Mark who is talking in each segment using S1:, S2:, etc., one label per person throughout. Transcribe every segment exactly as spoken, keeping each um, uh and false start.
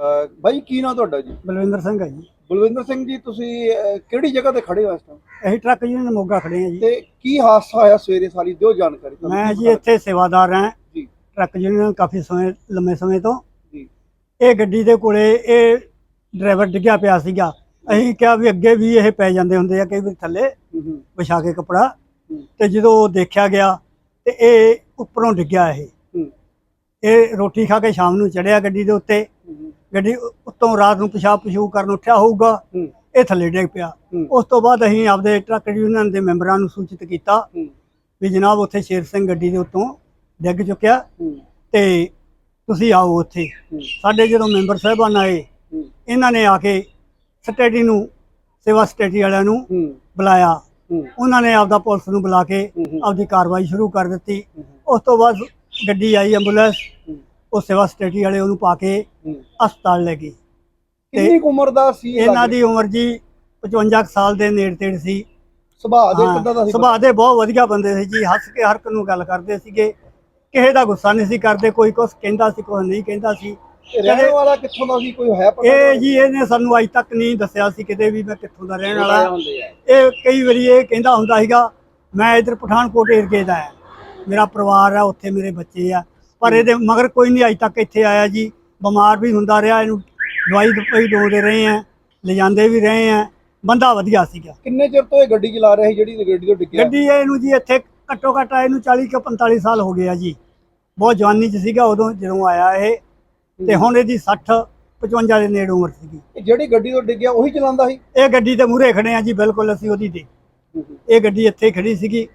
S1: ਅਹ ਬਾਈ ਕੀ ਨਾਂ ਤੁਹਾਡਾ ਜੀ?
S2: ਬਲਵਿੰਦਰ ਸਿੰਘ ਹੈ ਜੀ।
S1: ਬਲਵਿੰਦਰ ਸਿੰਘ ਜੀ, ਤੁਸੀਂ ਅਹ, ਕਿਹੜੀ ਜਗ੍ਹਾ ਤੇ ਖੜੇ ਹੋ ਇਸ ਟਾਈਮ?
S2: ਅਸੀਂ ਟਰੱਕ ਯੂਨੀਅਨ ਮੋਗਾ ਖੜੇ ਹਾਂ ਜੀ।
S1: ਤੇ ਕੀ ਹਾਦਸਾ ਹੋਇਆ ਸਵੇਰੇ, ਸਾਰੀ ਦਿਓ ਜਾਣਕਾਰੀ ਤੁਹਾਨੂੰ।
S2: ਮੈਂ
S1: ਕੀ
S2: ਜੀ
S1: ਪਤਾ
S2: ਇੱਥੇ ਸੇਵਾਦਾਰ ਹਾਂ
S1: ਜੀ
S2: ਟਰੱਕ ਯੂਨੀਅਨ ਕਾਫੀ ਸਮੇਂ ਲੰਮੇ ਸਮੇਂ ਤੋਂ।
S1: ਜੀ
S2: ਇਹ ਗੱਡੀ ਦੇ ਕੋਲੇ ਇਹ ਡਰਾਈਵਰ ਡਿੱਗਿਆ ਪਿਆ ਸੀਗਾ। ਅਸੀਂ ਕਿਹਾ ਵੀ ਅੱਗੇ ਵੀ ਇਹ ਪੈ ਜਾਂਦੇ ਹੁੰਦੇ ਆ ਕਈ ਵਾਰ ਥੱਲੇ
S1: ਹੂੰ ਹੂੰ
S2: ਵਿਛਾ ਕੇ ਕੱਪੜਾ,
S1: ਹੂੰ,
S2: ਤੇ ਜਦੋਂ ਦੇਖਿਆ ਗਿਆ ਤੇ ਇਹ ਉੱਪਰੋਂ ਡਿੱਗਿਆ। ਇਹ
S1: ਹੂੰ,
S2: ਇਹ ਰੋਟੀ ਖਾ ਕੇ ਸ਼ਾਮ ਨੂੰ ਚੜਿਆ ਗੱਡੀ ਦੇ ਉੱਤੇ।
S1: ਹੂੰ,
S2: ਗੱਡੀ ਉੱਤੋਂ ਰਾਤ ਨੂੰ ਪਿਸ਼ਾਬ ਪਸ਼ੂ ਕਰਨ ਉੱਠਿਆ ਹੋਊਗਾ,
S1: ਹੂੰ,
S2: ਇਹ ਥੱਲੇ ਡਿੱਗ ਪਿਆ।
S1: ਹੂੰ,
S2: ਉਸ ਤੋਂ ਬਾਅਦ ਅਸੀਂ ਆਪਦੇ ਟਰੱਕ ਯੂਨੀਅਨ ਦੇ ਮੈਂਬਰਾਂ ਨੂੰ ਸੂਚਿਤ ਕੀਤਾ
S1: ਹੂੰ,
S2: ਵੀ ਜਨਾਬ ਉੱਥੇ ਸ਼ੇਰ ਸਿੰਘ ਗੱਡੀ ਦੇ ਉੱਤੋਂ ਡਿੱਗ ਚੁੱਕਿਆ
S1: ਹੂੰ,
S2: ਤੇ ਤੁਸੀਂ ਆਓ ਉੱਥੇ।
S1: ਹੂੰ,
S2: ਸਾਡੇ ਜਦੋਂ ਮੈਂਬਰ ਸਾਹਿਬਾਨ ਆਏ,
S1: ਹੂੰ,
S2: ਇਹਨਾਂ ਨੇ ਆ ਕੇ ਸਟੇਡੀ ਨੂੰ ਸੇਵਾ ਸਟੇਡੀ ਵਾਲਿਆਂ ਨੂੰ
S1: ਹੂੰ,
S2: ਬੁਲਾਇਆ।
S1: ਹੂੰ,
S2: ਉਹਨਾਂ ਨੇ ਆਪਦਾ ਪੁਲਿਸ ਨੂੰ ਬੁਲਾ ਕੇ
S1: ਹੂੰ,
S2: ਆਪਦੀ ਕਾਰਵਾਈ ਸ਼ੁਰੂ ਕਰ ਦਿੱਤੀ।
S1: ਹੂੰ,
S2: ਉਸ ਤੋਂ ਬਾਅਦ ਗੱਡੀ ਆਈ ਐਂਬੂਲੈਂਸ,
S1: ਹੂੰ,
S2: ਉਹ ਸੇਵਾ ਸਟੇਡੀ ਵਾਲੇ ਉਹਨੂੰ ਪਾ ਕੇ
S1: ਹੂੰ।
S2: ਹਸਪਤਾਲ ਲੈ ਗਏ।
S1: ਕਿੰਨੀ ਕੁ ਉਮਰ ਦਾ ਸੀ ਇਹ?
S2: ਇਹਨਾਂ ਦੀ ਉਮਰ ਜੀ ਪਚਵੰਜਾ ਕੁ ਸਾਲ ਦੇ ਨੇੜੇ ਤੇੜੇ ਸੀ।
S1: ਸੁਭਾਅ ਦੇ
S2: ਹਾਂ,
S1: ਕਿੱਦਾਂ ਦਾ ਸੀ?
S2: ਸੁਭਾਅ ਦੇ ਬਹੁਤ ਵਧੀਆ ਬੰਦੇ ਸੀ ਜੀ। ਹੱਸ ਕੇ ਹਰ ਇੱਕ ਨੂੰ ਗੱਲ ਕਰਦੇ ਸੀਗੇ, ਕਿਸੇ ਦਾ ਗੁੱਸਾ ਨਹੀਂ ਸੀ ਕਰਦੇ। ਕੋਈ ਕੁਛ ਕਹਿੰਦਾ ਸੀ, ਕੋਈ ਨਹੀਂ ਕਹਿੰਦਾ ਸੀ।
S1: ਇਹ ਰਹਿਣ ਵਾਲਾ ਕਿੱਥੋਂ ਦਾ ਸੀ, ਕੋਈ ਹੈ ਪਤਾ?
S2: ਇਹ ਜੀ ਇਹਨੇ ਸਾਨੂੰ ਅੱਜ ਤੱਕ ਨਹੀਂ ਦੱਸਿਆ ਸੀ ਕਿਤੇ ਵੀ ਮੈਂ ਕਿੱਥੋਂ ਦਾ ਰਹਿਣ ਵਾਲਾ। ਇਹ ਕਈ ਵਾਰੀ ਇਹ ਕਹਿੰਦਾ ਹੁੰਦਾ ਸੀਗਾ ਮੈਂ ਇਧਰ ਪਠਾਨਕੋਟ ਏਰੀਏ ਦਾ ਹੈ, ਮੇਰਾ ਪਰਿਵਾਰ ਆ ਉੱਥੇ, ਮੇਰੇ ਬੱਚੇ ਆ। ਪਰ ਇਹਦੇ ਮਗਰ ਕੋਈ ਨਹੀਂ ਅੱਜ ਤੱਕ ਇੱਥੇ ਆਇਆ ਜੀ। ਬਿਮਾਰ ਵੀ ਹੁੰਦਾ ਰਿਹਾ, ਇਹਨੂੰ ਦਵਾਈ ਦਵਾਈ ਦੋਦੇ ਰਹੇ ਆ, ਲਿਜਾਂਦੇ ਵੀ ਰਹੇ ਆ। ਬੰਦਾ ਵਧੀਆ ਸੀਗਾ।
S1: ਕਿੰਨੇ ਚਿਰ ਤੋਂ ਇਹ ਗੱਡੀ ਚਲਾ ਰਿਹਾ ਸੀ ਜਿਹੜੀ ਗੱਡੀ ਤੋਂ ਡਿੱਗਿਆ?
S2: ਗੱਡੀ ਇਹਨੂੰ ਜੀ ਇੱਥੇ ਘੱਟੋ ਘੱਟ ਇਹਨੂੰ ਚਾਲੀ ਤੋਂ ਪੰਤਾਲੀ ਸਾਲ ਹੋ ਗਏ ਆ ਜੀ। ਬਹੁਤ ਜਵਾਨੀ 'ਚ ਸੀਗਾ ਉਦੋਂ ਜਦੋਂ ਆਇਆ ਇਹ, ਤੇ ਹੁਣ ਇਹਦੀ ਸੱਠ ਪਚਵੰਜਾ ਦੇ ਨੇੜੇ ਉਮਰ ਸੀਗੀ।
S1: ਇਹ ਜਿਹੜੀ ਗੱਡੀ ਤੋਂ ਡਿੱਗਿਆ ਉਹੀ ਚਲਾਉਂਦਾ ਸੀ?
S2: ਇਹ ਗੱਡੀ ਦੇ ਮੂਹਰੇ ਖੜੇ ਆ ਜੀ, ਬਿਲਕੁਲ ਅਸੀਂ ਉਹਦੀ ਦੇ। ਇਹ ਗੱਡੀ ਇੱਥੇ ਖੜੀ ਸੀਗੀ,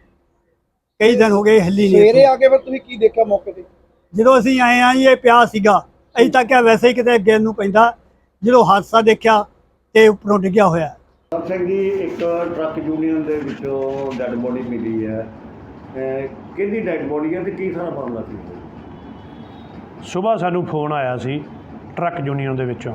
S2: ਕਈ ਦਿਨ ਹੋ ਗਏ ਹਿੱਲੀ ਨਹੀਂ।
S1: ਸਵੇਰੇ ਆ ਕੇ ਫਿਰ ਤੁਸੀਂ ਕੀ ਦੇਖਿਆ ਮੌਕੇ ਤੇ?
S2: ਜਦੋਂ ਅਸੀਂ ਆਏ ਆ ਜੀ ਇਹ ਪਿਆ ਸੀਗਾ। ਅਸੀਂ ਤਾਂ ਕਿਹਾ ਵੈਸੇ ਹੀ ਕਿਤੇ ਅੱਗੇ ਨੂੰ ਪੈਂਦਾ। ਜਦੋਂ ਹਾਦਸਾ ਦੇਖਿਆ ਤੇ ਉੱਪਰੋਂ ਡਿੱਗਿਆ ਹੋਇਆ।
S3: ਸਰ ਸਿੰਘ ਜੀ, ਇੱਕ ਟਰੱਕ ਯੂਨੀਅਨ ਦੇ ਵਿੱਚੋਂ ਡੈੱਡ ਬੋਡੀ ਮਿਲੀ ਹੈ। ਅਹ ਕਿਹਦੀ ਡੈੱਡ ਬੋਡੀ ਹੈ ਤੇ ਕੀ ਸਾਰਾ ਮਾਮਲਾ ਸੀ?
S4: ਸੁਬਾਹ ਸਾਨੂੰ ਫੋਨ ਆਇਆ ਸੀ ਟਰੱਕ ਯੂਨੀਅਨ ਦੇ ਵਿੱਚੋਂ,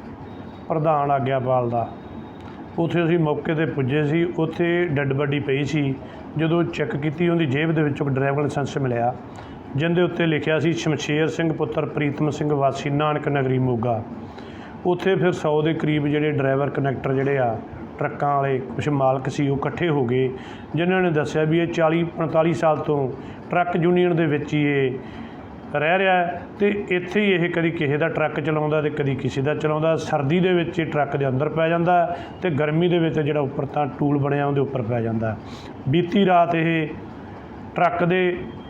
S4: ਪ੍ਰਧਾਨ ਆਗਿਆਪਾਲ ਦਾ। ਉੱਥੇ ਅਸੀਂ ਮੌਕੇ 'ਤੇ ਪੁੱਜੇ ਸੀ। ਉੱਥੇ ਡੈੱਡ ਬੋਡੀ ਪਈ ਸੀ। ਜਦੋਂ ਚੈੱਕ ਕੀਤੀ, ਉਹਦੀ ਜੇਬ ਦੇ ਵਿੱਚੋਂ ਡਰਾਈਵਰ ਲਾਇਸੈਂਸ ਮਿਲਿਆ, ਜਿਹਦੇ ਉੱਤੇ ਲਿਖਿਆ ਸੀ ਸ਼ਮਸ਼ੇਰ ਸਿੰਘ ਪੁੱਤਰ ਪ੍ਰੀਤਮ ਸਿੰਘ ਵਾਸੀ ਨਾਨਕ ਨਗਰੀ ਮੋਗਾ। ਉੱਥੇ ਫਿਰ ਸੌ ਦੇ ਕਰੀਬ ਜਿਹੜੇ ਡਰਾਈਵਰ ਕਨੈਕਟਰ ਜਿਹੜੇ ਆ ਟਰੱਕਾਂ ਵਾਲੇ, ਕੁਛ ਮਾਲਕ ਸੀ, ਉਹ ਇਕੱਠੇ ਹੋ ਗਏ, ਜਿਨ੍ਹਾਂ ਨੇ ਦੱਸਿਆ ਵੀ ਇਹ ਚਾਲੀ ਪੰਤਾਲੀ ਸਾਲ ਤੋਂ ਟਰੱਕ ਯੂਨੀਅਨ ਦੇ ਵਿੱਚ ਹੀ ਇਹ ਰਹਿ ਰਿਹਾ ਅਤੇ ਇੱਥੇ ਹੀ ਇਹ ਕਦੀ ਕਿਸੇ ਦਾ ਟਰੱਕ ਚਲਾਉਂਦਾ ਅਤੇ ਕਦੀ ਕਿਸੇ ਦਾ ਚਲਾਉਂਦਾ। ਸਰਦੀ ਦੇ ਵਿੱਚ ਇਹ ਟਰੱਕ ਦੇ ਅੰਦਰ ਪੈ ਜਾਂਦਾ ਅਤੇ ਗਰਮੀ ਦੇ ਵਿੱਚ ਜਿਹੜਾ ਉੱਪਰ ਤਾਂ ਟੂਲ ਬਣਿਆ ਉਹਦੇ ਉੱਪਰ ਪੈ ਜਾਂਦਾ। ਬੀਤੀ ਰਾਤ ਇਹ ਟਰੱਕ ਦੇ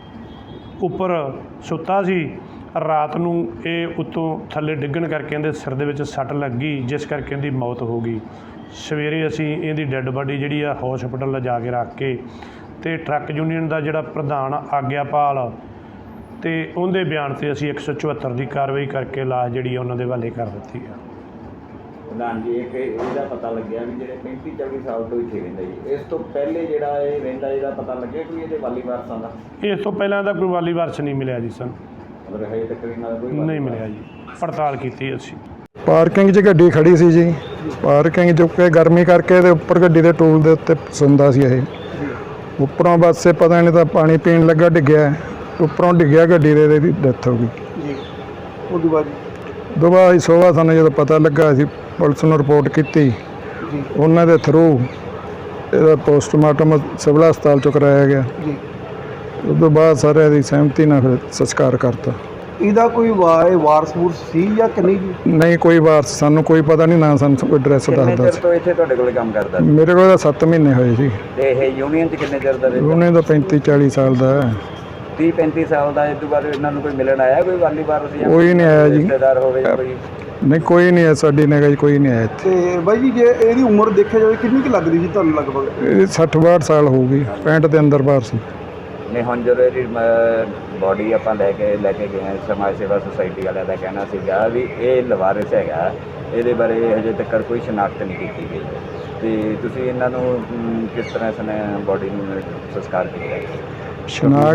S4: ਉੱਪਰ ਸੁੱਤਾ ਸੀ। ਰਾਤ ਨੂੰ ਇਹ ਉੱਤੋਂ ਥੱਲੇ ਡਿੱਗਣ ਕਰਕੇ ਇਹਦੇ ਸਿਰ ਦੇ ਵਿੱਚ ਸੱਟ ਲੱਗ ਗਈ, ਜਿਸ ਕਰਕੇ ਇਹਦੀ ਮੌਤ ਹੋ ਗਈ। ਸਵੇਰੇ ਅਸੀਂ ਇਹਦੀ ਡੈੱਡ ਬਾਡੀ ਜਿਹੜੀ ਆ ਹੌਸਪੀਟਲ ਲਿਜਾ ਕੇ ਰੱਖ ਕੇ, ਅਤੇ ਟਰੱਕ ਯੂਨੀਅਨ ਦਾ ਜਿਹੜਾ ਪ੍ਰਧਾਨ ਆਗਿਆਪਾਲ ਅਤੇ ਉਹਦੇ ਬਿਆਨ 'ਤੇ ਅਸੀਂ ਇੱਕ ਸੌ ਚੁਹੱਤਰ ਦੀ ਕਾਰਵਾਈ ਕਰਕੇ ਲਾਸ਼ ਜਿਹੜੀ ਉਹਨਾਂ ਦੇ ਹਵਾਲੇ ਕਰ ਦਿੱਤੀ ਆ।
S5: ਪ੍ਰਧਾਨ ਜੀ, ਇੱਕ ਇਹਦਾ ਪਤਾ ਲੱਗਿਆ ਵੀ ਜਿਹੜੇ ਪੈਂਤੀ ਚਾਲੀ ਸਾਲ ਤੋਂ ਇੱਥੇ ਰਹਿੰਦਾ ਜੀ, ਇਸ ਤੋਂ ਪਹਿਲੇ ਜਿਹੜਾ ਇਹ ਰਹਿੰਦਾ ਇਹਦਾ ਪਤਾ ਲੱਗਿਆ ਕੋਈ ਇਹਦੇ ਵਾਲੀ ਵਾਰਸਾਂ ਦਾ?
S4: ਇਸ ਤੋਂ ਪਹਿਲਾਂ ਇਹਦਾ ਕੋਈ ਵਾਲੀ ਵਾਰਸ ਨਹੀਂ ਮਿਲਿਆ ਜੀ ਸਾਨੂੰ।
S5: ਮਤਲਬ ਹਜੇ ਤੱਕ ਇਹਨਾਂ ਦਾ ਕੋਈ
S4: ਨਹੀਂ ਮਿਲਿਆ ਜੀ, ਪੜਤਾਲ ਕੀਤੀ ਅਸੀਂ।
S6: ਪਾਰਕਿੰਗ 'ਚ ਗੱਡੀ ਖੜੀ ਸੀ ਜੀ। ਪਾਰਕਿੰਗ 'ਚ ਕਿ ਗਰਮੀ ਕਰਕੇ ਇਹਦੇ ਉੱਪਰ ਗੱਡੀ ਦੇ ਟੂਲ ਦੇ ਉੱਤੇ ਸੌਂਦਾ ਸੀ ਇਹ। ਉੱਪਰੋਂ ਬਸ ਇਹ ਪਤਾ ਨਹੀਂ ਤਾਂ ਪਾਣੀ ਪੀਣ ਲੱਗਾ ਡਿੱਗਿਆ, ਉੱਪਰੋਂ ਡਿੱਗਿਆ ਗੱਡੀ ਦੇ, ਇਹਦੀ ਡੈਥ ਹੋ ਗਈ
S1: ਜੀ। ਉਹਦੇ ਬਾਅਦ
S6: ਦੁਬਾਰਾ ਸੁਬਾਹ ਸਾਨੂੰ ਜਦੋਂ ਪਤਾ ਲੱਗਾ, ਅਸੀਂ ਪੁਲਿਸ ਨੂੰ ਰਿਪੋਰਟ ਕੀਤੀ।
S1: ਜੀ
S6: ਉਹਨਾਂ ਦੇ ਥਰੂ ਇਹਦਾ ਪੋਸਟਮਾਰਟਮ ਸਿਵਲ ਹਸਪਤਾਲ 'ਚੋਂ ਕਰਾਇਆ ਗਿਆ।
S1: ਜੀ।
S6: ਉਸ ਤੋਂ ਬਾਅਦ ਸਾਰਿਆਂ ਦੀ ਸਹਿਮਤੀ ਨਾਲ ਫਿਰ ਸੰਸਕਾਰ ਕਰਤਾ।
S1: ਇਹਦਾ ਕੋਈ ਵਾ- ਵਾਰਸ ਵੂਰਸ ਸੀ ਜਾਂ ਕਿ ਨਹੀਂ ਜੀ?
S6: ਨਹੀਂ, ਕੋਈ ਵਾਰਸ ਸਾਨੂੰ ਕੋਈ ਪਤਾ ਨਹੀਂ, ਨਾ ਸਾਨੂੰ ਕੋਈ ਐਡਰੈਸ
S5: ਕਿੰਨੇ
S6: ਦੱਸਦਾ
S5: ਚਿਰ
S6: ਸੀ।
S5: ਤੋਂ ਇੱਥੇ ਤੁਹਾਡੇ ਕੋਲ ਕੰਮ ਕਰਦਾ?
S6: ਮੇਰੇ ਕੋਲ ਤਾਂ ਸੱਤ ਮਹੀਨੇ ਹੋਏ ਸੀ।
S5: ਤੇ ਇਹ ਯੂਨੀਅਨ 'ਚ ਕਿੰਨੇ ਚਿਰ ਦਾ ਰਹਿੰਦਾ?
S6: ਉਹਨੇ ਤਾਂ ਪੈਂਤੀ ਚਾਲੀ ਸਾਲ ਦਾ ਹੈ।
S5: ਤੀਹ ਪੈਂਤੀ ਸਾਲ ਦਾ। ਇਸ ਤੋਂ ਬਾਅਦ ਇਹਨਾਂ ਨੂੰ ਕੋਈ ਮਿਲਣ ਆਇਆ, ਕੋਈ ਵਾਲੀ ਵਾਰਸ ਜਾਂ
S6: ਕੋਈ ਨਹੀਂ ਆਇਆ ਜੀ।
S5: ਰਿਸ਼ਤੇਦਾਰ ਹੋਵੇ ਜਾਂ ਕੋਈ?
S6: ਨਹੀਂ, ਕੋਈ ਨਹੀਂ ਹੈ ਸਾਡੀ ਨਿਗਾਹ 'ਚ, ਕੋਈ ਨਹੀਂ ਆਇਆ ਇੱਥੇ।
S1: ਤੇ ਬਾਈ ਜੀ, ਜੇ ਇਹਦੀ ਉਮਰ ਦੇਖਿਆ ਜਾਵੇ ਕਿੰਨੀ ਕੁ ਲੱਗਦੀ ਸੀ ਤੁਹਾਨੂੰ ਲਗਭਗ?
S6: ਇਹ ਸੱਠ ਬਾਹਠ ਸਾਲ ਹੋਊਗੀ, ਪੈਂਹਠ ਦੇ ਅੰਦਰ ਬਾਹਰ ਸੀ।
S5: ਨਹੀਂ, ਹੁਣ ਜਦੋਂ ਇਹਦੀ ਬੋਡੀ ਆਪਾਂ ਲੈ ਕੇ ਲੈ ਕੇ ਗਏ ਹਾਂ, ਸਮਾਜ ਸੇਵਾ ਸੁਸਾਇਟੀ ਵਾਲਿਆਂ ਦਾ ਕਹਿਣਾ ਸੀਗਾ ਵੀ ਇਹ ਲਵਾਰਿਸ ਹੈਗਾ, ਇਹਦੇ ਬਾਰੇ ਹਜੇ ਤੱਕ ਕੋਈ ਸ਼ਨਾਖਤ ਨਹੀਂ ਕੀਤੀ ਗਈ। ਤੇ ਤੁਸੀਂ ਇਹਨਾਂ ਨੂੰ ਕਿਸ ਤਰ੍ਹਾਂ ਇਸ ਨੇ ਬੋਡੀ ਨੂੰ ਸੰਸਕਾਰ ਕੀਤਾ?
S6: ਸ਼ਨਾਖਤ